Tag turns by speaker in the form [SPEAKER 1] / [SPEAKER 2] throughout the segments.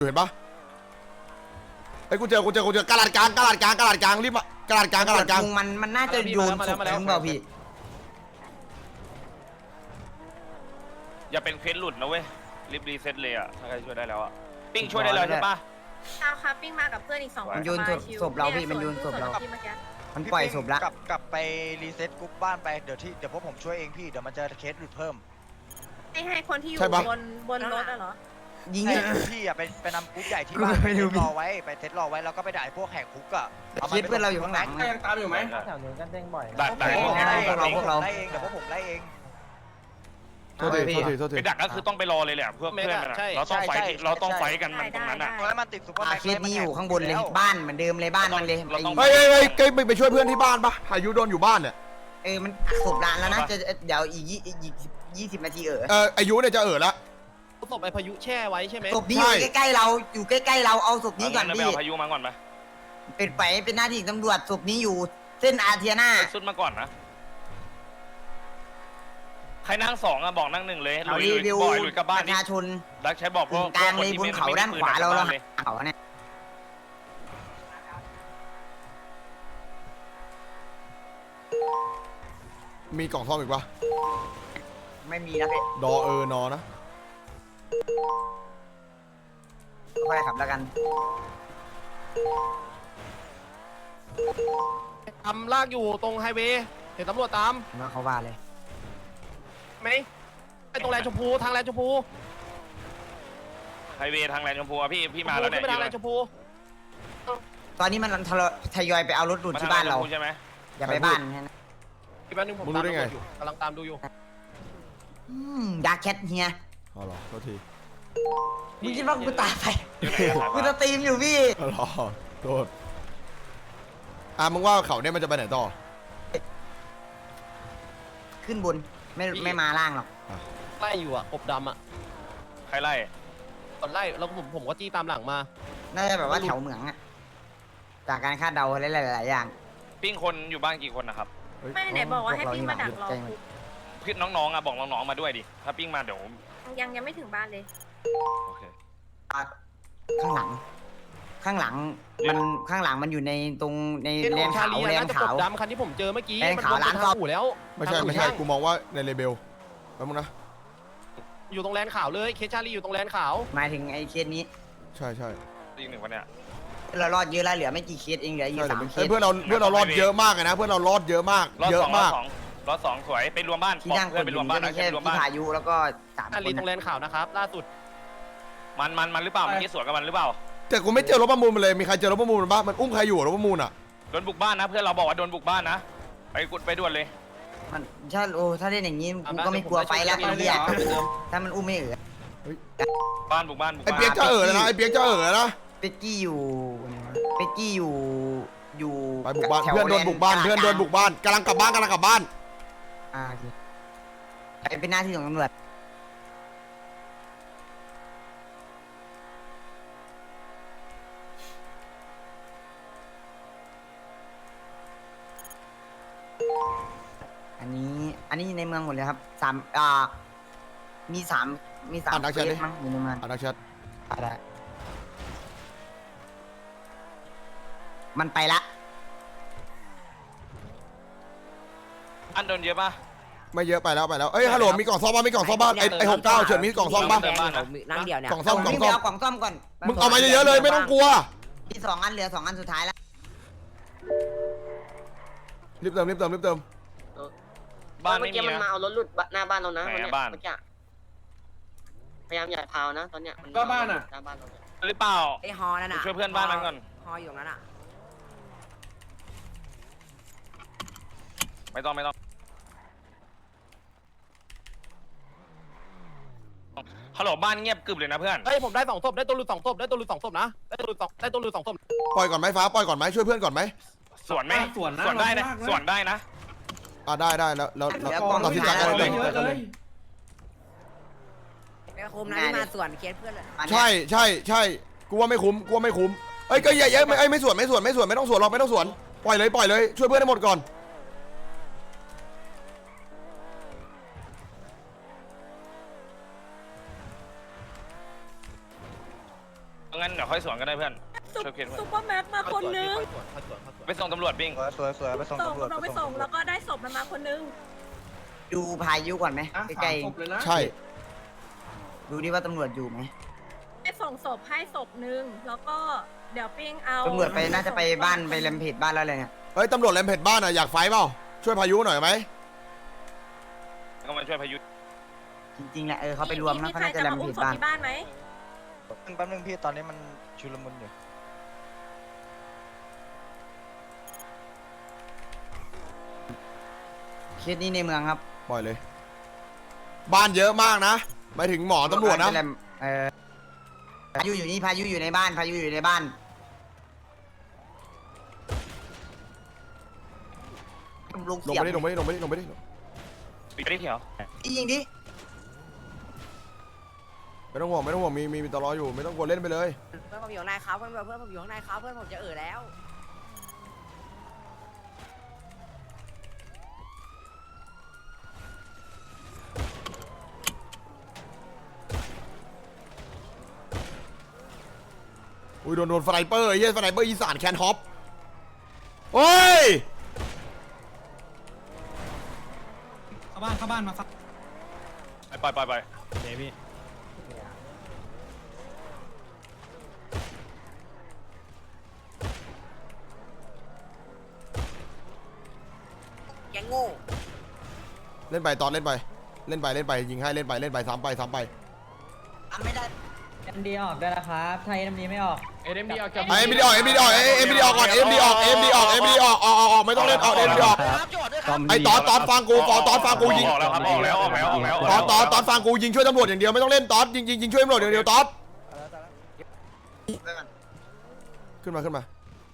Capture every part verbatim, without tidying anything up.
[SPEAKER 1] เห็นปะไอ้กูเจอกูเจอกูเจอกระดาษกลางกระดาษกลางกระดาษกลางรีบมากระดาษกลางกระดาษกลาง
[SPEAKER 2] มันมันน่าจะโยนศพทิ้งเปล่าพี่
[SPEAKER 3] อย่าเป็นเคสหลุดนะเว้ยรีบรีเซ็ตเลยอ่ะถ้าใครช่วยได้แล้วอ่ะปิ้งช่วยได้แล้วใช่ปะ
[SPEAKER 4] เอาครับปิ้งมากับเพื่อนอีกสองคน
[SPEAKER 2] มันโยนศพเราพี่มันโยนศพเรามันปล่อยศพละ
[SPEAKER 5] กลับกลับไปรีเซ็ตกรุ๊ปบ้านไปเดี๋ยวที่เดี๋ยวพวกผมช่วยเองพี่เดี๋ยวมันจะเคสหลุดเพิ่ม
[SPEAKER 4] ให้ให้คนที่อยู่บนบนรถอะเหรอ
[SPEAKER 2] ยิง
[SPEAKER 5] พี่อ่ะไปไปนำกรุ๊ปใหญ่ที่บ้านไปเซตรอไว้ไปเซตรอไว้แล้วก็ไปด่าพวกแหกคุกอ่ะ
[SPEAKER 2] เคสเพื่อนเราอยู่ข้างหลัง
[SPEAKER 6] ยังตามอยู่ไหม
[SPEAKER 3] แถวนู้นก็เด้งบ่อย
[SPEAKER 5] ดักดักพวกเราพวกเราไล่เองเดี๋ยวพวกผมไล่เอง
[SPEAKER 1] โทษทีโทษทีโทษที
[SPEAKER 3] ไปดักก็คือต้องไปรอเลยแหละเพื่อเพื่อนมันเราต้องไฟเราต้องไฟกันมันตรงนั้นอ่ะ
[SPEAKER 5] แล้วมันติดซุปเปอร์แม็กซ์
[SPEAKER 2] เคสนี้อยู่ข้างบนเลยบ้านเหมือนเดิมเลยบ้านมันเลย
[SPEAKER 1] เฮ้ยเฮ้ยเฮ้ยไปช่วยเพื่อนที่บ้านปะพายุโดนอยู่บ้านเนี่ย
[SPEAKER 2] เออมันศพร้านแล้วนะจะเดี๋ยวอีกยี่อีกยี่สิบนาทีเออ
[SPEAKER 1] เอออายุเนี่ยจะเออละ
[SPEAKER 6] ศพไอ้พายุแช่ไว้ใช่ไหม
[SPEAKER 2] ศพนี้อยู่ใกล้ๆเราอยู่ใกล้ๆเราเอาศพนี้ก่อนพี่
[SPEAKER 3] เอาพายุมาก่อนไหม
[SPEAKER 2] เป็นไปเป็นหน้าที่ตำรวจศพนี้อยู่เส้นอาเทียนา
[SPEAKER 3] สุดมาก่อนนะใครนั่งสองอะบอกนั่งหนึ่งเลยลุยลุยบ่อยลุยกับบ้าน
[SPEAKER 2] ประชาชน
[SPEAKER 3] รักใช้บอกพวก
[SPEAKER 2] กลางเลยบนเขาด้านขวาเราเราเขาเนี่ย
[SPEAKER 1] มีกล่องซ่อมอีกปะ
[SPEAKER 2] ไม่มีนะพี่
[SPEAKER 1] ดอเออนอนะ
[SPEAKER 2] ค่อยขับแล้วกัน
[SPEAKER 6] ทำลากอยู่ตรงไฮเวย์เห็นตำรวจตาม
[SPEAKER 2] ว่าเขาว่าเลย
[SPEAKER 6] ไหมไปตรงแลนด์ชมพูทางแลนด์ชมพู
[SPEAKER 3] ไฮเวย์ทางแลนด์ชมพูพี่พี่มาแล้วเนี่ย
[SPEAKER 6] ไปทางแลนด์ชมพู
[SPEAKER 2] ตอนนี้มันทยอยไปเอารถดูดที่บ้านเรา
[SPEAKER 3] ใช่ไหม
[SPEAKER 2] อย่าไปบ้านนะ
[SPEAKER 6] อีกแป๊บนึงผมตามดูอยู่กำลังตามดูอยู่
[SPEAKER 2] ดาร์คแคทเฮีย
[SPEAKER 1] อ๋อเหรอโทษที
[SPEAKER 2] มึงคิดว่ากูตายไปกูจะตีมอยู่พี่
[SPEAKER 1] อ๋อเหรอโทษอ่ะมึงว่าเขาเนี่ยมันจะไปไหนต่อ
[SPEAKER 2] ขึ้นบนไม่ไม่มาล่างหรอก
[SPEAKER 6] ไล่อยู่อ่ะกบดำอ่ะ
[SPEAKER 3] ใครไล่
[SPEAKER 6] ตอนไล่แล้วผมผมก็จี้ตามหลังมา
[SPEAKER 2] น่าจะแบบว่าแถวเหมืองอ่ะจากการคาดเดาหลายๆอย่าง
[SPEAKER 3] ปิ้งคนอยู่บ้านกี่คนนะครับ
[SPEAKER 4] ไม่ไหนบอกว่าให้ปิ้งมาดักรอ
[SPEAKER 3] พี่น้องๆอ่ะบอกน้องๆมาด้วยดิถ้าปิ้งมาเดี๋ยว
[SPEAKER 4] ยังยังไม่ถึงบ้านเลย
[SPEAKER 3] โอเค
[SPEAKER 2] ข้างหลังข้างหลังมันข้างหลังมันอยู่ในตรงในแลนขาวแลนขาว
[SPEAKER 6] ดำคันที่ผมเจอเมื่อกี้
[SPEAKER 2] แลนขาวร้านซ่อม
[SPEAKER 6] แล้ว
[SPEAKER 1] ไม่ใช่ไม่ใช่กูมองว่าในเลเบลแป๊บนึงนะ
[SPEAKER 6] อยู่ตรงแลนขาวเลยเคชาลีอยู่ตรงแลนขาว
[SPEAKER 2] หมายถึงไอ้เคสนี้
[SPEAKER 1] ใช่ใช่
[SPEAKER 3] อีกหนึ่งวันเนี้ย
[SPEAKER 2] เรารอดเยอะแล้วเหลือไม่กี่เคสเองเหลืออยู่สามเคส
[SPEAKER 1] เพื่อนเราเพื่อนเรารอดเยอะมากเลยนะเพื่อนเรารอดเยอะมากเยอะมาก
[SPEAKER 3] รอดสองสวยไปรวมบ้าน
[SPEAKER 2] ที่นั่งคนไปรวมบ้านนะแค่พี่พายุแล้วก็
[SPEAKER 6] สามคนตรงแลนขาวนะครับล่าสุด
[SPEAKER 3] มันมันมันหรือเปล่าเมื่อกี้สวนกับมันหรือเปล่า
[SPEAKER 1] แต่กูไม่เจอรถประมูลมันเลยมีใครเจอรถประมูลบ้างมันอุ้มใครอยู่รถประมูลอ่ะ
[SPEAKER 3] โดนบุกบ้านนะเพื่อนเราบอกว่าโดนบุกบ้านนะไปกุดไปด่วนเลย
[SPEAKER 2] มันถ้าโอ้ถ้าเล่นอย่างนี้กูก็ไม่กลัวไฟแล้วไอ้เหี้ยถ้ามันอุ้มไม่เอ๋อ
[SPEAKER 3] บ้านบุกบ้าน
[SPEAKER 1] ไอ้เปียกจะเอ๋อนะไอ้เปียกจะเอ๋อนะ
[SPEAKER 2] เป็กกี้อยู่เป็กกี้อยู่อยู่
[SPEAKER 1] ไปบุกบ้านเพื่อนโดนบุกบ้านเพื่อนโดนบุกบ้านกำลังกลับบ้านกำลังกลับบ้าน
[SPEAKER 2] อ่าเป็นหน้าที่ของตำรวจอันนี้อันนี้ในเมืองหมดเลยครับสามอ่ามีสามมีสาม
[SPEAKER 1] เคส
[SPEAKER 2] มั้งอยู่ในเมือง
[SPEAKER 1] อ่านนักแชท
[SPEAKER 2] ได้มันไปละ
[SPEAKER 3] อันโดนเยอะป่ะ
[SPEAKER 1] ไม่เยอะไปแล้วไปแล้วเอ้ยฮัลโหลมีกล่องซ่อมบ้างมีกล่องซ่อมบ้างไอ้ไอ้หกเก้าเฉินมีกล่องซ่อมบ้าง
[SPEAKER 2] นั่งเดียวเนี่ย
[SPEAKER 1] กล่องซ่อมกล่องซ่อม
[SPEAKER 2] กล่องซ่อมก่อน
[SPEAKER 1] มึงเอามาเยอะๆเลยไม่ต้องกลัว
[SPEAKER 2] มีสองอันเหลือสองอันสุดท้ายแล้ว
[SPEAKER 1] รีบเติมรีบเติมรีบเติม
[SPEAKER 3] บ้าน
[SPEAKER 7] เมื่อกี้มันมาเอารถหลุดหน้าบ้านเรานะ
[SPEAKER 3] เนี่ยเมื่อกี้
[SPEAKER 7] พยายามอย่าพาวนะตอนเนี้ย
[SPEAKER 6] ก็บ้านอ่ะ
[SPEAKER 7] หน้าบ้านเรา
[SPEAKER 3] หรือเปล่า
[SPEAKER 2] ไอฮอนั่นน่ะ
[SPEAKER 3] ช่วยเพื่อนบ้านมันก่อน
[SPEAKER 2] ฮออยู่นั้นอ่ะ
[SPEAKER 3] ไม่ต้องไม่ต้องฮัลโหลบ้านเงียบกึบเลยนะเพื่อน
[SPEAKER 6] เฮ้ยผมได้สองศพได้ตัวหลุดสองศพได้ตัวหลุดสองศพนะได้ตัวหลุดสองได้ตัวหลุดสองศพ
[SPEAKER 1] ปล่อยก่อนไหมฟ้าปล่อยก่อนไหมช่วยเพื่อนก่อนไหม
[SPEAKER 3] สวนไหมสวนสวนได้นะสวนได้นะ
[SPEAKER 1] อ่าได้ได้แล้วแล้วตัดสินใจกันเลย
[SPEAKER 2] ไม่คุ้มนะที่มาส่วนเคสเพื่อนเลย
[SPEAKER 1] ใช่ใช่ใช่กูว่าไม่คุ้มกูว่าไม่คุ้มเอ้ยก็อย่าเยอะไม่ไอ้ไม่ส่วนไม่ส่วนไม่ส่วนไม่ต้องส่วนหรอกไม่ต้องส่วนปล่อยเลยปล่อยเลยช่วยเพื่อนให้หมดก่อน
[SPEAKER 3] งั้นเดี๋ยวค่อยสวนก็ได้เพื่อนช่วยเพื่อน
[SPEAKER 4] ซุปเปอร์แม็กมาคนนึง
[SPEAKER 3] ไปส่งตำรวจปิ้ง
[SPEAKER 5] สวยสวยไปส่ง
[SPEAKER 4] ส่ง
[SPEAKER 5] ตำรวจ
[SPEAKER 4] เราไปส่งแล้วก็ได้ศพมันมาคนนึง
[SPEAKER 2] ดูพายุก่อนไหมใกล้
[SPEAKER 1] ใช่
[SPEAKER 2] ๆดูดิว่าตำรวจอยู่ไหม
[SPEAKER 4] ไปส่งศพให้ศพนึงแล้วก็เดี๋ยวปิ้งเอา
[SPEAKER 2] ตำรวจไปน่าจะไปบ้านไปแลมเพจบ้านแล้วเลยเนี่ย
[SPEAKER 1] เฮ้ยตำรวจแรมเพจบ้านอ่ะอยากไฟเปล่าช่วยพายุหน่อยไหม
[SPEAKER 3] ก็มาช่วยพายุ
[SPEAKER 2] จริงๆแหละเออเขาไปรวมนะเขาน่าจะแลมเพจ
[SPEAKER 4] ศพ
[SPEAKER 2] บ้าน
[SPEAKER 4] ที่บ้านไหม
[SPEAKER 5] แป๊บนึงพี่ตอนนี้มันชุลมุนอยู่
[SPEAKER 2] เคสนี้ในเมืองครับ
[SPEAKER 1] ปล่อยเลย บ้านเยอะมากนะหมายถึงหมอตำรวจนะ
[SPEAKER 2] ไปแลมเออพายุอยู่นี่พายุอยู่ในบ้านพายุอยู่ในบ้านลุง
[SPEAKER 1] ลง
[SPEAKER 2] เสีย
[SPEAKER 1] ไป
[SPEAKER 2] บ
[SPEAKER 1] ดิลงไปดิลงไปดิลงไปดิ
[SPEAKER 3] ปีได้เถียว
[SPEAKER 2] ยิงดิ
[SPEAKER 1] ไม่ต้องห่วงไม่ต้องห่วงมีมีมีตลออยู่ไม่ต้องกลัวเล่นไปเลย
[SPEAKER 8] เพื่อนผมอยู่ข้างในครับเพื่อนเพื่อนผมอยู่ข้างในครับเพื่อนผมจะเอ่อแล้ว
[SPEAKER 1] อุ้ยโดนโดนสไนเปอร์ไอ้เหี้ยสไนเปอร์อีสานแคนฮอปโอ้ย
[SPEAKER 9] เข้าบ้านเข้าบ้านมาฟัง
[SPEAKER 3] ไปไปไป
[SPEAKER 9] เดี๋ยวพี่
[SPEAKER 8] ยังโง่
[SPEAKER 1] เล่นไปตอนเล่นไปเล่นไปเล่นไปยิงให้เล่นไปเล่นไปซ้ำไปซ้ำไป
[SPEAKER 2] ทำไม่ได้
[SPEAKER 10] เอ็มดีออกด้วยนะครับถ้าเอ็มดีไม่ออก
[SPEAKER 6] เอ็มดีออกจาก
[SPEAKER 1] ไอ้เอ็มดีออกเอ็มดีออกเอ็มดีออกก่อนเอ็มดีออกเอ็มดีออกเอ็มดีออกออกออกออกไม่ต้องเล่นเอาเอ็มดีออก
[SPEAKER 5] ครับโจทย์ด้วยครับ
[SPEAKER 1] ไอ้ตอนตอนฟังกูตอนตอนฟังกูยิง
[SPEAKER 3] ออกแล้วครับออกแล้วออกแล้วออกแล้ว
[SPEAKER 1] ตอนตอนตอนฟังกูยิงช่วยตำรวจอย่างเดียวไม่ต้องเล่นตอนยิงยิงยิงช่วยตำรวจอย่างเดียวตอนขึ้นมาขึ้นมา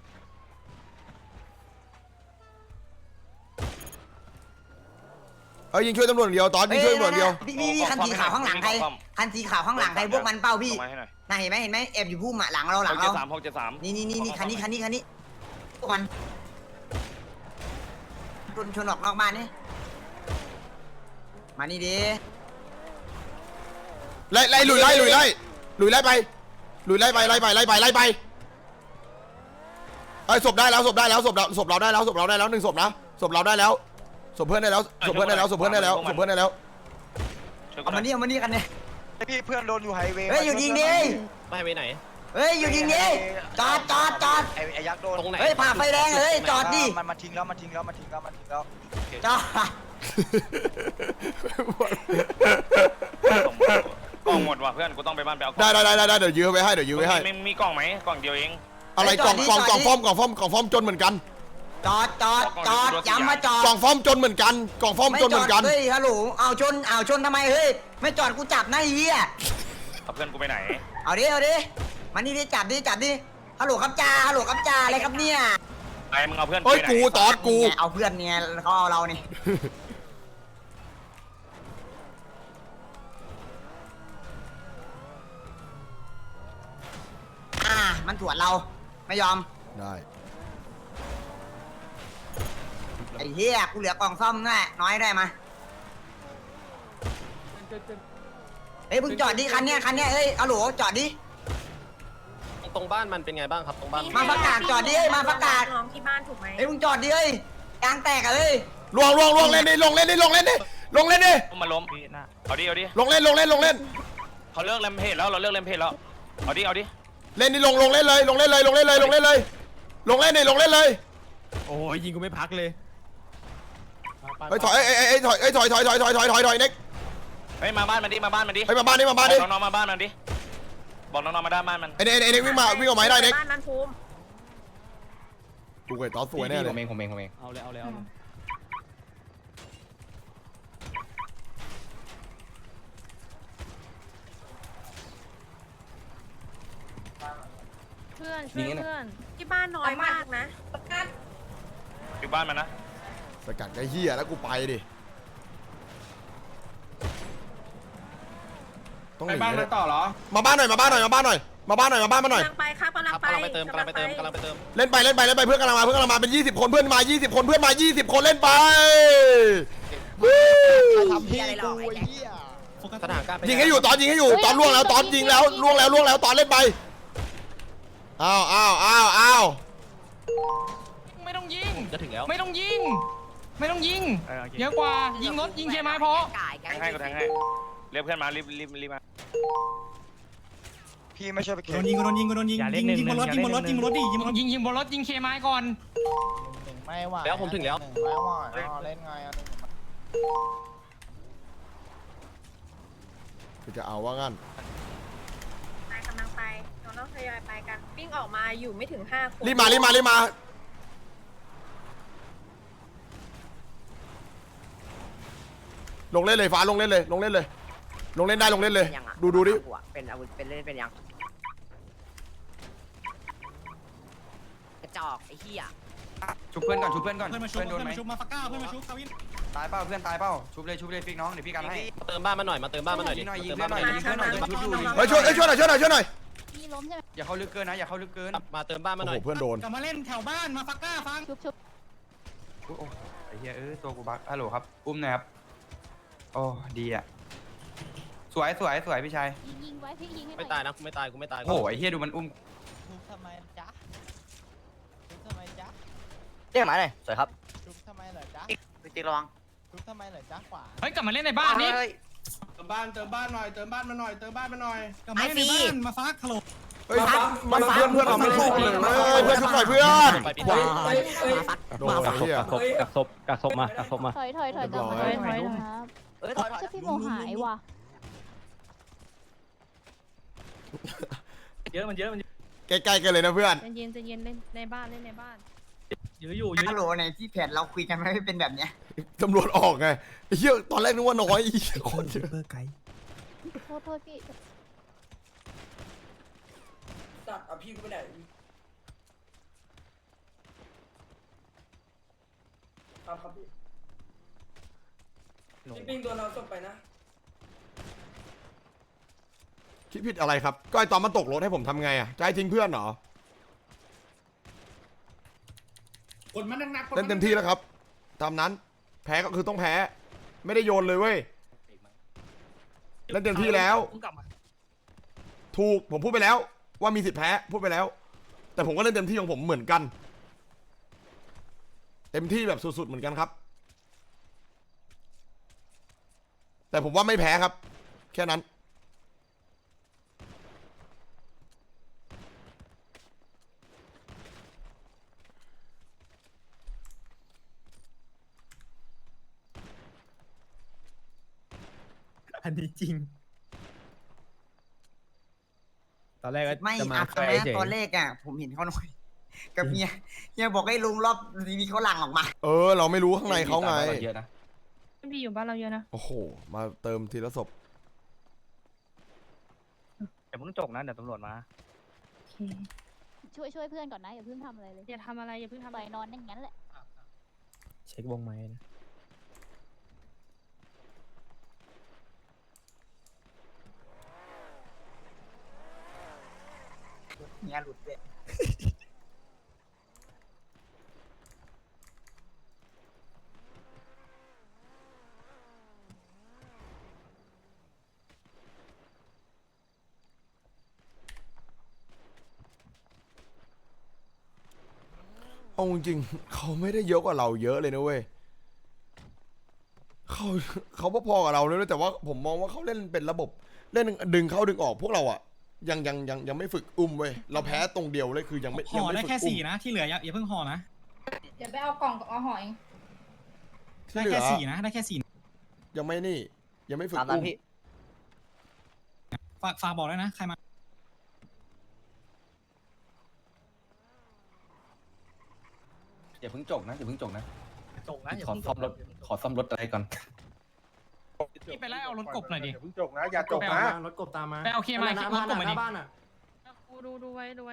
[SPEAKER 1] เอ้ยยิงช่วยตำรวจอย่างเดียวตอนยิงช่วยตำรวจอย่างเดียว
[SPEAKER 2] พี่พี่พี่คันสีขาวข้างหลังใครคันสีขาวข้างหลังใครพวกมันเป้าพี่
[SPEAKER 3] มาให้หน่อย
[SPEAKER 2] น่าเห็นไหมเห็นไหมแอบอยู่พุ่มอะหลังเราห
[SPEAKER 3] ห
[SPEAKER 2] ลั
[SPEAKER 3] ก
[SPEAKER 2] ง
[SPEAKER 3] เจ็ด
[SPEAKER 2] เรา
[SPEAKER 3] สามหกเจ็ดสาม
[SPEAKER 2] นี่นี่นี่นี่คันนี้คันนี้คันนี้พวกมันชนชนออกนอกบ้านนี่มานี่ดิ
[SPEAKER 1] ไล่ไล่ลุยไล่ลุยไล่ลุยไล่ไปลุยไล่ไปไล่ไปไล่ไปไล่ไปไอ้ศพได้แล้วศพได้แล้วศพเราศพเราได้แล้วศพเราได้แล้วหนึ่งศพนะศพเราได้แล้วศพเพื่อนได้แล้วศพเพื่อนได้แล้วศพเพื่อนได้แล้วศพเพื่อนได้แล้ว
[SPEAKER 3] ช่วย
[SPEAKER 2] เอามานี่เอามานี่กันเนี่ย
[SPEAKER 5] พี่เพื่อนโดนอยู่ไฮเวย์
[SPEAKER 2] เฮ้ยอยู่ยิงดิ
[SPEAKER 6] ไม่ไปไหน
[SPEAKER 2] เฮ้ยอยู่ยิงดิจอดจอดจอด
[SPEAKER 5] ไอ้ไอ้ยักษ์โดน
[SPEAKER 6] ตรงไหน
[SPEAKER 2] เฮ้ยผ่าไฟแดงเฮ้ยจอดดิ
[SPEAKER 5] มันมาทิ้งแล้วมันทิ้งแล้วมันทิ้งแล้วมันทิ้งแล้ว
[SPEAKER 2] จอด
[SPEAKER 3] กล่องหมดว่ะเพื่อนกูต้องไปบ้านไปเอา
[SPEAKER 1] ได้ได้ได้ได้เดี๋ยวยื้อไว้ให้เดี๋ยวยื้อไว้ให้
[SPEAKER 3] มีมีกล่องไหมกล่องเดียวเอง
[SPEAKER 1] อะไรกล่องกล่องกล่องฟอมกล่องฟอมกล่องฟอมจนเหมือนกัน
[SPEAKER 2] จอดจอดจอดย้ำมาจอด
[SPEAKER 1] กล่องฟอมจนเหมือนกันกล่องฟอม
[SPEAKER 2] ไม่
[SPEAKER 1] จน
[SPEAKER 2] จ
[SPEAKER 1] เห
[SPEAKER 2] อ
[SPEAKER 1] มื
[SPEAKER 2] ด
[SPEAKER 1] อนกัน
[SPEAKER 2] เฮ้ยฮัลโหลเอาชนเอาชนทำไมเฮ้ยไม่จอดกูจับนะไอ้เหี้ย
[SPEAKER 3] เอาเพื่อนกูไปไหน
[SPEAKER 2] เอาดิเอาดิมานี่ดิจับดิจับดิฮัลโหลครับจ่าฮัลโหลครับจ่าอะไรครับเนี่ย
[SPEAKER 3] ไอ้มึงเอาเพื่อน
[SPEAKER 1] เฮ้ยกูตอดกู
[SPEAKER 2] เอาเพื่อนเนี่ยเขาเอาเรานี่อ่ามันถวดเราไม่ยอม
[SPEAKER 1] ได้
[SPEAKER 2] ไอ้เหี้ยกูเหลือกล่องซ่อมด้วยน้อยได้มาเฮ้ยมึงจอดดิคันเนี้ยคันเนี้ยเฮ้ยฮัลโหลจอดดิ
[SPEAKER 6] ตรงบ้านมันเป็นไงบ้างครับตรงบ้าน
[SPEAKER 2] มาประกาศจอดดิเฮ้ยมาประกาศ
[SPEAKER 4] น้องที่บ้านถูกไหม
[SPEAKER 2] เฮ้ยมึงจอดดิเฮ้ยยางแตกอะเฮ้ย
[SPEAKER 1] ล่วงล่วงล่วงเล่นดิลงเล่นดิลงเล่นดิลงเล่นดิ
[SPEAKER 3] มาล้มเอาดิเอาดิ
[SPEAKER 1] ลงเล่นลงเล่นลงเล่น
[SPEAKER 3] เขาเลิกเลมเพจแล้วเราเลิกเลมเพจแล้วเอาดิเอาดิ
[SPEAKER 1] เล่นดิลงลงเล่นเลยลงเล่นเลยลงเล่นเลยลงเล่นเลยลงเล่นดิลงเล่นเลย
[SPEAKER 9] โอ้ยยิงกูไม่พักเลย
[SPEAKER 1] เฮ้ยถอยเอ้ยเอ้ยเอ้ยถอยเอ้ยถอยถอยถอยถอยถอยถอยถอยเน็ก
[SPEAKER 3] เฮ้ยมาบ้านมันดิมาบ้านมันดิ
[SPEAKER 1] เฮ้ยมาบ้านดิมาบ้านดิ
[SPEAKER 3] บอกน้องๆมาบ้านมันดิบอกน้องๆมาด้านบ้านมัน
[SPEAKER 1] ไอ้เน็กไอ้เน็กวิ่งมาวิ่งออกมาให้ได้เน็ก
[SPEAKER 4] บ้านมันภูมิ
[SPEAKER 1] กูเกิดตอนสวยแน่เลย
[SPEAKER 9] ผมเองผมเองผมเองเอาเลยเอาเลยเอาเลย
[SPEAKER 4] เพื่อนช่วยเพื่อนที่บ้านน้อยมากนะ
[SPEAKER 3] อยู่บ้านมันนะ
[SPEAKER 1] สกัดไอ้เหี้ยแล้วกูไปดิต้องห
[SPEAKER 6] ไป
[SPEAKER 1] นี
[SPEAKER 6] บ้านมันต่อเหรอ
[SPEAKER 1] มาบ้านหน่อยมาบ้านหน่อยมาบ้านหน่อยมาบ้านหน่อยมาบ้านมาหน่อย
[SPEAKER 4] กำลังไปครับกำลัง
[SPEAKER 6] ครับ
[SPEAKER 4] ไป
[SPEAKER 6] กำลังไปเติมกำลังไปเติมกำลังไปเติม
[SPEAKER 1] เล่นไปเล่นไปเล่นไปเพื่อนกำลังมาเพื่อนกำลังมาเป็นยี่สิบคนเพื่อนมายี่สิบคนเพื่อนมายี่สิบคนเล่นไปวู้
[SPEAKER 8] ทำพี่อะไรหรอกไอ้แจ็ค
[SPEAKER 6] สถานการณ์
[SPEAKER 1] ยิงให้อยู่ตอนยิงให้อยู่ตอนล่วงแล้วตอนยิงแล้วล่วงแล้วล่วงแล้วตอนเล่นไปอ้าวอ้าวอ้าวอ้าว
[SPEAKER 6] ไม่ต้องยิง
[SPEAKER 9] จะถึงแล้ว
[SPEAKER 6] ไม่ต้องยิง ไม่ต้องยิงเยอะกว่ายิงรถยิงเคไม้พอ
[SPEAKER 3] แทงให้กูแทงให้เรียกเพื่อนมารีบรีบรีบมา
[SPEAKER 5] พี่ไม่ช่วยไป
[SPEAKER 9] โด
[SPEAKER 5] เข็น
[SPEAKER 9] นยิงกูโดนยิงกูโดนยิงยิงยิงบนรถยิงบนรถยิงบนรถดิยิงบนรถ
[SPEAKER 6] ยิงยิงบนรถยิงเคไม้ก่อน
[SPEAKER 5] ไม่ไหว
[SPEAKER 9] แล้วผมถึงแล้ว
[SPEAKER 5] ไม่ไหวเล่นไงอ่ะ
[SPEAKER 1] กูจะเอาว่างั้น
[SPEAKER 4] ไปกำลังไปเราต้องทยอยไปกันปิ้งออกมาอยู่ไม่ถึงห้าคน
[SPEAKER 1] รีบมารีบมารีบมาลงเล่นเลยฟ้าลงเล่นเลยลงเล่นเลยลงเล่นได้ลงเล่นเลย ดูดูดิ
[SPEAKER 8] เป็นอาวุธเป็นเล่นเป็นยังกระจอกไอ้เหี้ย
[SPEAKER 5] ชุบเพื่อนก่อนชุบเพื่อนก่อน
[SPEAKER 9] เพื่อนมาชุบเพื่อนมาชุบมาฟักก้าเพื่อนมาชุบคาวิน
[SPEAKER 5] ตายเป้าเพื่อนตายเป้าชุบเลยชุบเลยฟิกน้องเดี๋ยวพี่กันให้
[SPEAKER 9] เติมบ้านมาหน่อยมาเติมบ้านมาหน่อยดิ
[SPEAKER 5] ยิงหน่อยยิงเพื่อนหน่อยยิงเพื่อนหน่อยชุบอยู่
[SPEAKER 1] เฮ้ยช่วยเฮ้ยช่วยหน่อยช่วยหน่อยช่วยหน่อย
[SPEAKER 11] พี่ล้มใช่ไหม
[SPEAKER 5] อย่าเข้าลึกเกินนะอย่าเข้าลึกเกิน
[SPEAKER 9] มาเติมบ้านมา
[SPEAKER 1] โอ้
[SPEAKER 9] หน่
[SPEAKER 1] โห
[SPEAKER 9] อย
[SPEAKER 1] เพื่อนโดน
[SPEAKER 9] กลับมาเล่นแถวบ้านมาฟักก้าฟัง
[SPEAKER 11] ชุบชุบ
[SPEAKER 5] โอ้ไอ้เหี้ยเออตัวกูบักฮัลโหลครับอุ้มหน่อยครับโอ้ดีอ่ะสวยสวยสวยพี่ชาย
[SPEAKER 11] ยิงยิงไว้พี่ยิงให้หน่
[SPEAKER 9] ไม่
[SPEAKER 11] อย
[SPEAKER 9] ตายนะกูไม่ตายกูไม่ตาย
[SPEAKER 5] โอ้ไอ้เหี้ยดูมันอุ้ม
[SPEAKER 8] ชุบทำไมจ๊ะชุบทำไมจ๊ะ
[SPEAKER 10] เรียกหมายหน่อยสวยครับ
[SPEAKER 8] ชุบทำไมเหรอจ๊ะ
[SPEAKER 7] พี่ติ๊กระวัง
[SPEAKER 8] ชุบทำไมเหรอจ๊ะขวา
[SPEAKER 6] เฮ้ยกลับมาเล่นในบ้านนี่เติมบ้านเติมบ้านหน่อยเติมบ้านมาหน่อยเติมบ้านมาหน่อย
[SPEAKER 9] กลับมาเล่นในบ้านมาฟักฮัลโหล
[SPEAKER 1] เฮ้ยมันเพื่อนเพื่อนเราไม่สู้เลยเฮ้ยเพื่อนช่วยหน่อยเพื่อน
[SPEAKER 9] ไปปิด
[SPEAKER 1] ว้า
[SPEAKER 9] บ้าน
[SPEAKER 1] โดนไอ้เหี้ย
[SPEAKER 9] กักศพกักศพมากักศพมา
[SPEAKER 11] ถอยถอยถอยกลับมาถอยถอยครับ
[SPEAKER 8] เอ้ยถอยถอย
[SPEAKER 11] ใช่พี่โมหายว่ะ
[SPEAKER 9] เยอะมันเยอะมัน
[SPEAKER 1] ใกล้ๆกันเลยนะเพื่อน
[SPEAKER 4] ใจเย็นใจเย็นเล่นในบ้านเล่นในบ้าน
[SPEAKER 9] เยอะอยู่เยอะ
[SPEAKER 2] ฮัลโหลในที่แผนเราคุยกันไม่เป็นแบบเนี้ย
[SPEAKER 1] ตำรวจออกไงไอ้เหี้ยตอนแรกนึกว่าน้อยไอ้เหี้ยคนเยอะ
[SPEAKER 11] โทษโทษพี่
[SPEAKER 8] สัตว์เอาพี่กูไปไหนครับครับพี่พี่ปิ้งตัวเราส่งไปนะ
[SPEAKER 1] คิดผิดอะไรครับก็ไอตอนมันตกรถให้ผมทำไงอ่ะจะให้ทิ้งเพื่อนเหรอ
[SPEAKER 6] กดมันหนักๆ
[SPEAKER 1] เล่นเต็มที่แล้วครับตามนั้นแพ้ก็คือต้องแพ้ไม่ได้โยนเลยเว้ยเล่นเต็มที่แล้วถูกผมพูดไปแล้วว่ามีสิทธิ์แพ้พูดไปแล้ว แต่ผมก็เล่นเต็มที่ของผมเหมือนกัน เต็มที่แบบสุดๆเหมือนกันครับ แต่ผมว่าไม่แพ้ครับ แค่นั้น
[SPEAKER 9] อันนี้จริงตอนแรกก็
[SPEAKER 2] ไม่
[SPEAKER 9] จะมา
[SPEAKER 2] อัด
[SPEAKER 9] แค่
[SPEAKER 2] นะ
[SPEAKER 9] เฉย
[SPEAKER 2] ตอนเลขอ่ะ ผมเห็นเขาหน่อยกับเมียเมียบอกให้ลุงรอบทีวีเขาหลั่งออกมา
[SPEAKER 1] เออเราไม่รู้ข้างในเขาไง
[SPEAKER 5] เยอะนะ
[SPEAKER 4] พี่อยู่บ้านเราเยอะนะ
[SPEAKER 1] โอ้โหมาเติมทีละศพ
[SPEAKER 9] อย่าเพิ่งจกนะเดี๋ยวตำรวจมา
[SPEAKER 11] ช่วยช่วยเพื่อนก่อนนะอย่าเพิ่งทำอะไรเลย
[SPEAKER 4] อย่าทำอะไรอย่าเพิ่งทำ
[SPEAKER 11] ปล่อยนอนอย่างนั้นแหละ
[SPEAKER 9] เช็ควงไม้นะ
[SPEAKER 2] เมียหลุดเลย
[SPEAKER 1] เอาจริงๆเขาไม่ได้เยอะกว่าเราเยอะเลยนะเว้ยเขาเขาพอๆกับเราเลยนะแต่ว่าผมมองว่าเขาเล่นเป็นระบบเล่นดึงเข้าดึงออกพวกเราอะยังยังยังยังไม่ฝึกอุ้มเว้ยเราแพ้ตรงเดียวเลยคือยังไม่
[SPEAKER 9] ห่
[SPEAKER 1] ยั
[SPEAKER 9] อง
[SPEAKER 1] ไม่
[SPEAKER 9] ได้
[SPEAKER 1] ฝึก
[SPEAKER 9] แค่
[SPEAKER 1] อุ้
[SPEAKER 9] สี่
[SPEAKER 1] ม
[SPEAKER 9] นะที่เหลืออย่าอย่าเพิ่งห่อนะ
[SPEAKER 4] เดี๋ยวไปเอากล่องเอาหอย
[SPEAKER 1] ที่
[SPEAKER 9] ได้
[SPEAKER 1] เหลื
[SPEAKER 9] แค่
[SPEAKER 1] อ
[SPEAKER 9] สี่นะได้แค่สี่
[SPEAKER 1] ยังไม่นี่ ยังไม่ฝึก
[SPEAKER 10] ตามนั้
[SPEAKER 1] อุ้
[SPEAKER 10] น
[SPEAKER 1] ม
[SPEAKER 10] พี่
[SPEAKER 9] ฝากฝากบอกด้วยนะใครมา
[SPEAKER 5] อย่าเพิ่งจกนะอย่าเพิ่งจกนะ
[SPEAKER 9] จกนะอย่า
[SPEAKER 5] ขอ
[SPEAKER 9] เพิ่ง
[SPEAKER 5] ซ่อมรถขอซ่อมรถอะไรก่อน
[SPEAKER 6] พี่ไปไล่เอารถกบหน่อยดิ
[SPEAKER 3] อย่าเพิ่งจกนะอย่าจกนะ
[SPEAKER 9] รถกบตามมา
[SPEAKER 6] ไปเอาเคไม้รถกบมาดิ
[SPEAKER 4] ดูดูดูไว้ดูไว้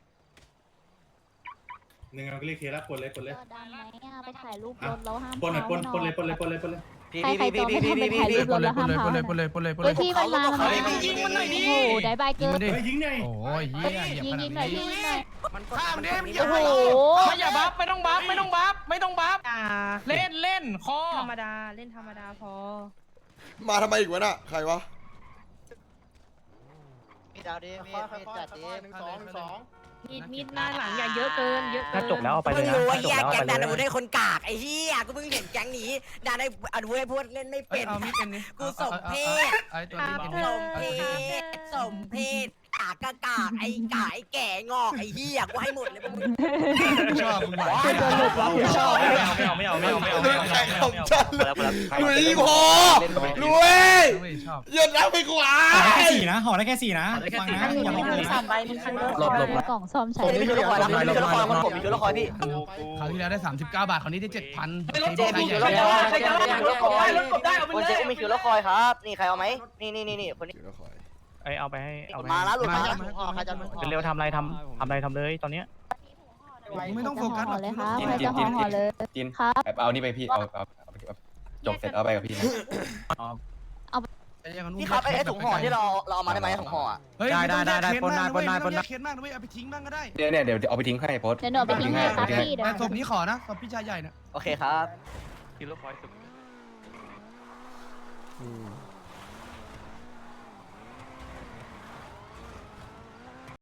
[SPEAKER 6] หนึ่งเอาเรียกเคแล้วกดเลยกดเลย
[SPEAKER 11] ก็ดังไหมอ่ะไปถ่ายรูปรถแล้วห้าม
[SPEAKER 6] ปนเลย
[SPEAKER 11] เผา
[SPEAKER 6] ปนปนเลยปนเลยปนเลยปนเลย
[SPEAKER 11] ใครใครจอไม่ทำไปถ่ายรูปรถแล้วห้ามเผานะเฮ้ยพี่มันมามันมา
[SPEAKER 6] เฮ้ยมึงยิงมันหน่อยดิ
[SPEAKER 11] โอ้โหได้บายเกิน
[SPEAKER 6] เฮ้ยยิงหน่อย
[SPEAKER 9] โอ้ย
[SPEAKER 11] เฮ้ยยิงยิงหน่อยพี่ยิงหน่อย
[SPEAKER 6] ข้ามดิมึง
[SPEAKER 11] โอ้โห
[SPEAKER 6] ไม่อย่าบัฟไม่ต้องบัฟไม่ต้องบัฟไม่ต้องบัฟเล่นเล่นคอ
[SPEAKER 4] ธรรมดาเล่นธรรมดาพอ
[SPEAKER 1] มาทำไมอีกวะน่ะใครวะ
[SPEAKER 8] มีดาวดิมีมีจัดดิ
[SPEAKER 6] หนึ่งสองหนึ่งสองมีดมีดหน้าหลังอย่าเยอะเกินเยอะเกิน
[SPEAKER 10] ถ้าจบแล้วเอาไป
[SPEAKER 2] มึ
[SPEAKER 10] เลย
[SPEAKER 2] ง
[SPEAKER 10] นะ
[SPEAKER 2] รู้ว่า
[SPEAKER 10] ถ้าจบ
[SPEAKER 2] แยก
[SPEAKER 10] แล้วเอา
[SPEAKER 2] แก๊
[SPEAKER 10] ไป
[SPEAKER 2] งดาน
[SPEAKER 10] เล
[SPEAKER 2] อาวุธ
[SPEAKER 10] ย
[SPEAKER 2] ได้คนกากไอ้เหี้ยกูเพิ่งเห็นแก๊งนี้ดานอาวุธให้พวกเล่นไม่
[SPEAKER 5] เอ้
[SPEAKER 2] เป็
[SPEAKER 5] ย
[SPEAKER 2] น
[SPEAKER 5] เอามีดเอ็มนี่
[SPEAKER 2] กูสมเพศ
[SPEAKER 5] ไอ้ตัวนี้
[SPEAKER 2] ส
[SPEAKER 5] เอ็ม
[SPEAKER 2] มเพศสมเพศกากกากากไอ้กายแก่งอกไอ้เหี้ยกูให้หมดเลยพวกมึง
[SPEAKER 5] ชอบมึงไหว
[SPEAKER 10] ชอบไม่เอาไม่เอาไม่เอาไม่เอาไม่เอาไม่เอาไม่เอา
[SPEAKER 1] ใครของฉัน
[SPEAKER 10] แล้วแล้ว
[SPEAKER 1] ลุยพอลุย
[SPEAKER 5] ชอบ
[SPEAKER 1] หยุดแล้วไปกว่า
[SPEAKER 9] ห่อได้แค่สี่นะห่อได้แค่สี่นะฟังนะอย่าห่อเลยนะ
[SPEAKER 10] หลบหลบ
[SPEAKER 11] กล่องซ่อมใช้
[SPEAKER 10] ผมมีคือละครนะผมมีคือละครผมมีคือละครพี่
[SPEAKER 5] คราวที่แล้วได้สามสิบเก้าบาทคราวนี้ได้เจ็ดพัน
[SPEAKER 10] เจ๊มีคือละครใครจะมีคือละครคนเจ๊ก็มีคือละครครับ นี่ใครเอาไหมนี่นี่นี่นี่คนนี้
[SPEAKER 6] ไอเอาไปให้เอาไป
[SPEAKER 10] มาแล้วหลุดมา
[SPEAKER 8] ใครจะห่อ
[SPEAKER 6] เร็วทำอะไรทำทำอะไรทำเลยตอนเนี้ย
[SPEAKER 5] ไม่ต้องโฟกัสหร
[SPEAKER 11] ห่
[SPEAKER 5] อ
[SPEAKER 11] อก เลยครับใครจะห่อห่อเลย
[SPEAKER 12] จิน
[SPEAKER 11] ครับ
[SPEAKER 12] เอานี่ไปพี่ เอาเอาจบเสร็จเอาไปกับพี่นะ
[SPEAKER 10] พี่ครับไอ้ถุงห่อที่เราเราเอามาได้ไหมถุงห่อ
[SPEAKER 5] ได้ได้ได้ได้ปนได้ปนได้ปนได้เคสมากนะเว้ยเอาไปทิ้งบ้างก็ได้
[SPEAKER 12] เดี๋ยวเนี่ยเดี๋ยวเอาไปทิ้งให้โพส
[SPEAKER 11] เดี๋ยวหนูเอาไปทิ้งให้ครับพี่เดี๋ยว
[SPEAKER 5] แต่ศพนี้ขอนะศพพี่ชายใหญ่นะ
[SPEAKER 10] โอเคครับ
[SPEAKER 3] คือละครสุด